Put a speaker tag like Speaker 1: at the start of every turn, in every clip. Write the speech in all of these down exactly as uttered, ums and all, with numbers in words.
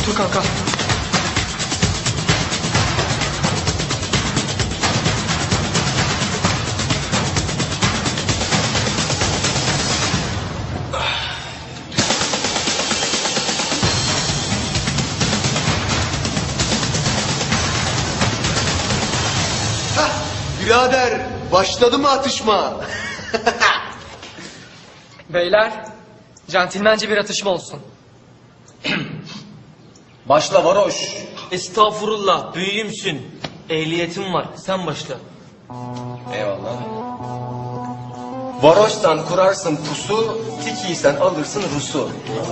Speaker 1: Otur kanka.
Speaker 2: Birader, başladı mı atışma?
Speaker 1: Beyler, centilmence bir atışma olsun.
Speaker 3: Başla varoş.
Speaker 4: Estağfurullah, büyüğümsün. Ehliyetim var, sen başla.
Speaker 3: Eyvallah. Varoşsan kurarsın pusu, tikiysen alırsın Rus'u.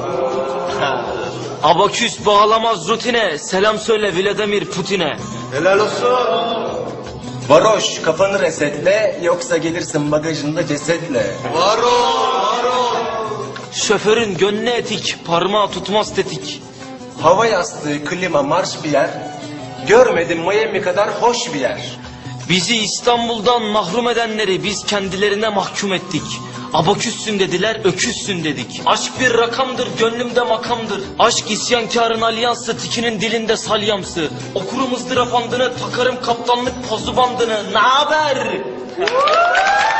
Speaker 4: Abaküs bağlamaz rutine, selam söyle Vladimir Putin'e.
Speaker 2: Helal olsun.
Speaker 3: Varoş kafanı resetle, yoksa gelirsin bagajında cesetle.
Speaker 2: Var ol, var ol.
Speaker 4: Şoförün gönlü etik, parmağı tutmaz tetik.
Speaker 3: Hava yastığı, klima, marş bir yer. Görmedim Miami kadar hoş bir yer.
Speaker 4: Bizi İstanbul'dan mahrum edenleri biz kendilerine mahkum ettik. Abaküssün dediler, öküzsün dedik. Aşk bir rakamdır, gönlümde makamdır. Aşk isyankarın alyansı, tikinin dilinde salyamsı. Okurum ızdırap andını, takarım kaptanlık pozu bandını. Naber?